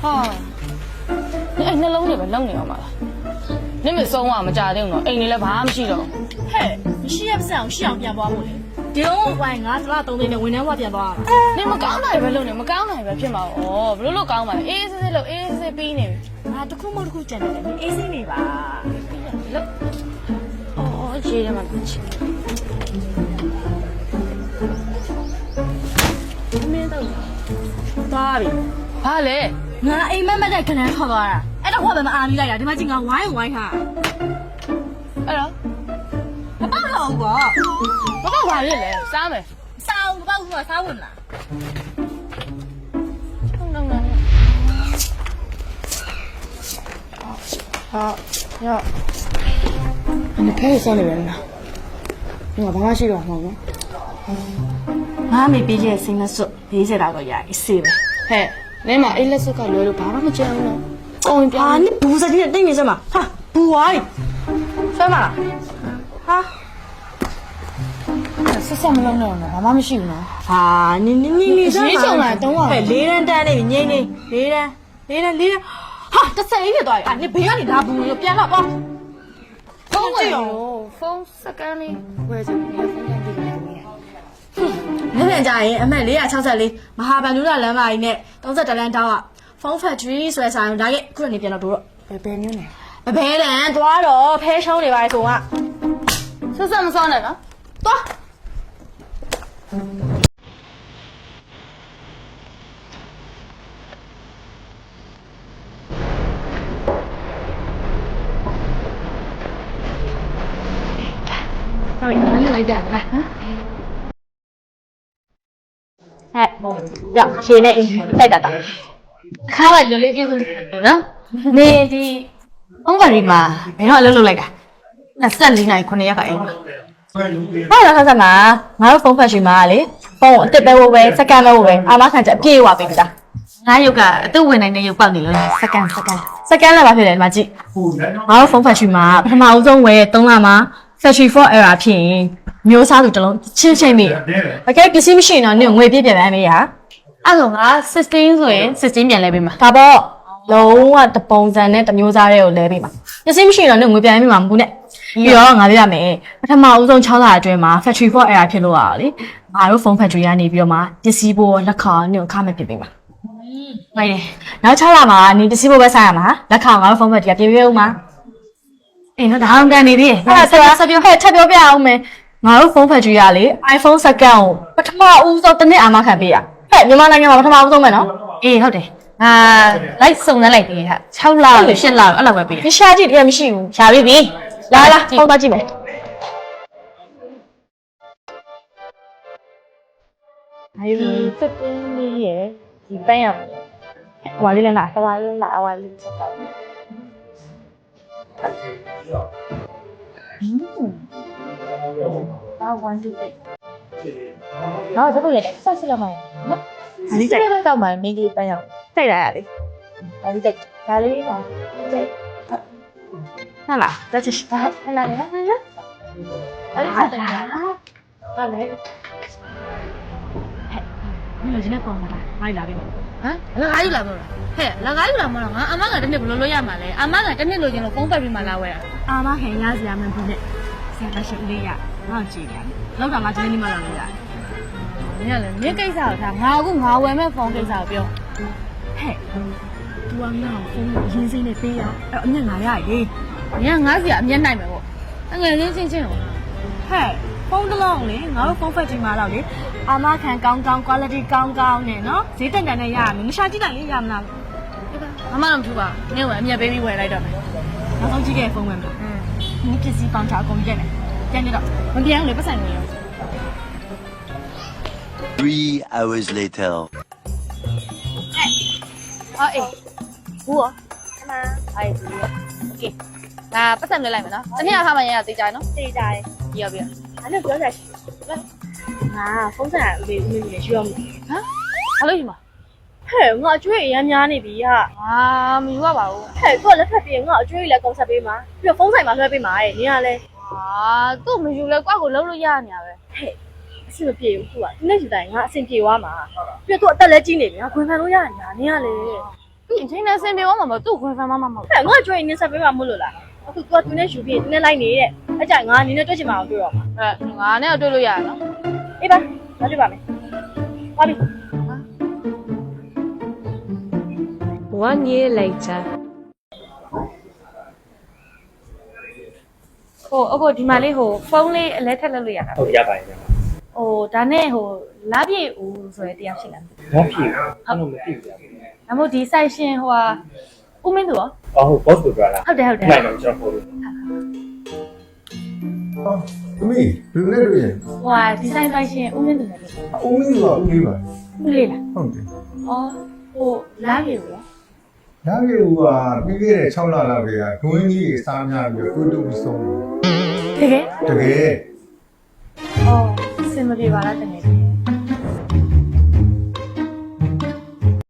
你哎，那冷的呗，冷的嘛。你没送啊？没家庭了，哎，你来爬不起了。 嘿，你是也不是我是要变包我嘞？丢我俺是那东西的，为难我变包。 你们刚来呗，冷的，没刚来呗，偏嘛哦，不是老刚嘛，A 了，A 比呢。 啊，都可没都可真的，你 A 是你吧？ 哦，接着嘛，去。 没到。咋的？ 怕嘞？ 我 A 慢慢在跟人好吧？哎，那我们阿米来呀，他妈经常玩一玩哈。 哎呀， 我包了我。 我刚玩的嘞，啥没？ 啥？我包我啥问了？ 好，要。你可以送你人了。我帮他洗个好吗？ 我没毕业生的时候，毕业那个也是呗。 嘿，你嘛一来是搞聊聊，爸爸没讲了。 啊，你不是今天等于什么？哈，不爱。什么？哈？ 是什么冷了呢？爸爸没洗呢。 啊，你什么？等我。 哎，离人单的，你离人，哈，这谁的多呀？你不要你拿不用，别了吧。 风喂哟，风湿干的，我就你风干的干的。 你别家人，俺们离啊，超市里，马哈班路那人嘛，呢，当时这人打啊，方法注意说啥，大概可能你变了多了。 别扭呢。 别人多了，陪手里外送啊。 是什么烧的呢？ 多。 来点来。 哎，要现在再打打。 看了就那就是呢。 你的方法嘛，没有录来个，那三零来可能也可以。我来看什么？我有方法去嘛哩？帮我这边我喂，这干了我喂，阿妈看着别话别的。哪有个都为难你有帮你了，这干了吧？别人嘛记。我有方法去嘛，他妈我总喂懂了吗？Factory for error 片，မျိုးစားသူတလုံးချင်းချင်းမိ။အကဲပစ္စည်းမရှိရင်တော့နင်ငွေပြပြန်မယ်ရ။အဲ့တော့ငါ16ဆိုရင်16ပြန်လဲပေးမှာဒါပေါ့လုံးဝတပုံစံနဲ့တမျိုးစားတွေကိုလဲပေးမှာ။ပစ္စည်းမရှိရင်တော့နင်ငွေပြန်ပေးမှာမဟုတ်နဲ့။ပြီးတော့ငါပြရမယ်။ပထမဦးဆုံး6လအတွင်းမှာ Factory for error ဖြစ်လို့ရတာလေ။ငါတို့ phone factory ကနေပြီးတော့မှပစ္စည်းပို့လက်ခံနင်ခါမဲ့ပြင်ပေးမှာ။ဟုတ်တယ်။နောက်6လမှာနင်ပစ္စည်းပို့ပဲဆိုင်ရမှာ။လက်ခံငါတို့ phone factory ကပြင်ပေးဦးမှာ။အေးနော်ဒါအောင်ကန်နေပြီ။ဆက်ပြောဟဲ့ထပ်ပြောပြအောင်မယ်။ငါတို့ phone factory ကလေ iPhone 2ကိုပထမဦးဆုံးတစ်နှစ်အာမခံပေးရ။ဟဲ့မြန်မာနိုင်ငံမှာပထမဦးဆုံးပဲနော်။အေးဟုတ်တယ်။လိုက်စုံစမ်းလိုက်ပြီဟာ6လလို့8လလို့အဲ့လောက်ပဲပေးရ။ရှာကြည့်တကယ်မရှိဘူး။ရှာပြီ။လာဖုန်းသွားကြည့်မယ်။哎呦，这边你也几班呀？我这里哪？我这里哪？我这里。啊，关注的。然后这个也算是了嘛？你这个到买没给班呀？再来哩。啊，你这哪里嘛？这。那啦，这就是哪里？啊，来。你今天放哪啦？哪里来的？ ဟမ်လကားယူလာမလို့ဟဲ့လကားယူလာမလို့ငါအမကတနေ့ဘယ်လိုလုပ်ရမှာလဲအမကတနေ့လိုချင်လို့ဖုန်းပတ်ပြီးမှလာဝဲတာအာမခင်ရစရာမလိုနဲ့ဆရာရှိလေးရငါ့ကြည့်ရတယ်လောက်တာငါဒီနေ့မှလာလို့ရတယ်နင်ကလည်းနင်ကိစ္စကိုထားငါအခုငါဝယ်မဲ့ဖုန်းကိစ္စကိုပြောဟဲ့ तू ကငါ့ကိုဖုန်းကိုရင်းစိမ့်နဲ့ပေးရအဲ့အမြတ်ငါရရေးနင်ကငါ့စီကအမျက်နိုင်မယ်ပေါ့အငယ်ချင်းချင်းကိုဟဲ့ဖုန်းတစ်လုံးလေငါတို့ဖုန်းဖက်ကြီးမှာတော့လေအာမခံကောင်း quality ကောင်းနဲ့နော်ဈေးတက်တန်နဲ့ရရမယ်မရှာကြည့်နိုင်လေရမလားအမတော့မထူပါနင်ကအမျက်ပေးပြီးဝယ်လိုက်တော့မယ်နောက်ဆုံးကြည့်ခဲ့ဖုန်းဝင်ပြီဒီပစ္စည်းပေါင်းချအကုန်ပြည့်မယ်ပြန်နေတော့မပြန်လေပတ်ဆိုင်နေရော 3 hours later. အော်အေးဘူးရောအမအေးဘူးရောโอเคငါပတ်ဆိုင်လွှဲလိုက်မယ်နော်တနေ့အခါမှရရသေးကြနော်သိကြတယ်ပြီးရောပြီးရောအဲ့လိုပြောကြရှိငါဖုန်းဆက်ဦးလေးဦးလေးရွှေအောင်ဟမ်ဘာလို့ယူမှာဟဲ့ငါအကျွေးအရမ်းများနေပြီဟာအာမယူရပါဘူးဟဲ့ကိုလက်ထပ်ပြီးငါအကျွေးလည်းကုန်ဆက်ပေးမှာပြီးတော့ဖုန်းဆိုင်မှာလွှဲပေးမှာရဲ့နင်ကလည်းအာသူ့မယူလဲကွာကိုလုံးလို့ရနေရပဲဟဲ့အဆင်မပြေဘူးသူကဒီနေ့ယူတိုင်းငါအဆင်ပြေသွားမှာပြီးတော့သူအသက်လည်းကြီးနေပြီငါခွင်ခံလို့ရနေတာနင်ကလည်းဒီအချိန်နဲ့ဆင်ပြေသွားမှာမဟုတ်သူ့ခွင့်ဖမ်းမမဟုတ်ဟဲ့ငါကြွေးနေဆက်ပေးမှာမလို့လားအခု तू ကသူနဲ့ယူပြီးသူနဲ့လိုက်နေတဲ့အကြိုင်ငါနင်းနဲ့တွေ့ချင်မှာအောင်တွေ့တော့မှာငါနဲ့တွေ့လို့ရရနော်အေးပါငါတွေ့ပါမယ်ပါပြီ 1 year later. ဟိုအခုဒီမှာလေးဟိုဖုန်းလေးအလဲထက်လုပ်လို့ရတာဟုတ်ရပါတယ်ဗျာဟိုဒါနဲ့ဟိုလာပြည့်ဦးဆိုရတဲ့တရားရှိလားဘာဖြစ်အဲ့လိုမဖြစ်ဗျာဒါမို့ဒီ site ရှင်ဟိုဟာဦးမင်းသူရောအော်ဟုတ် boss ကိုပြောတာဟုတ်တယ်ဟုတ်တယ်နိုင်တော့ကျွန်တော်ပို့လို့သမီးဘယ်နဲ့တွေ့ရင်ဟိုဟာဒီဇိုင်း site ရှင်ဦးမင်းသူလည်းအုံးလေးကဦးလေးပါဦးလေးလားဟုတ်တယ်အော်ဟိုလာပြည့်ဦးရောဒါပေမဲ့ပြီးခဲ့တဲ့6လလောက်ကဒွင်းကြီးစားများပြီးတွေ့တူဆုံးတကယ်တကယ်အော်စင်မပြေပါလားတကယ်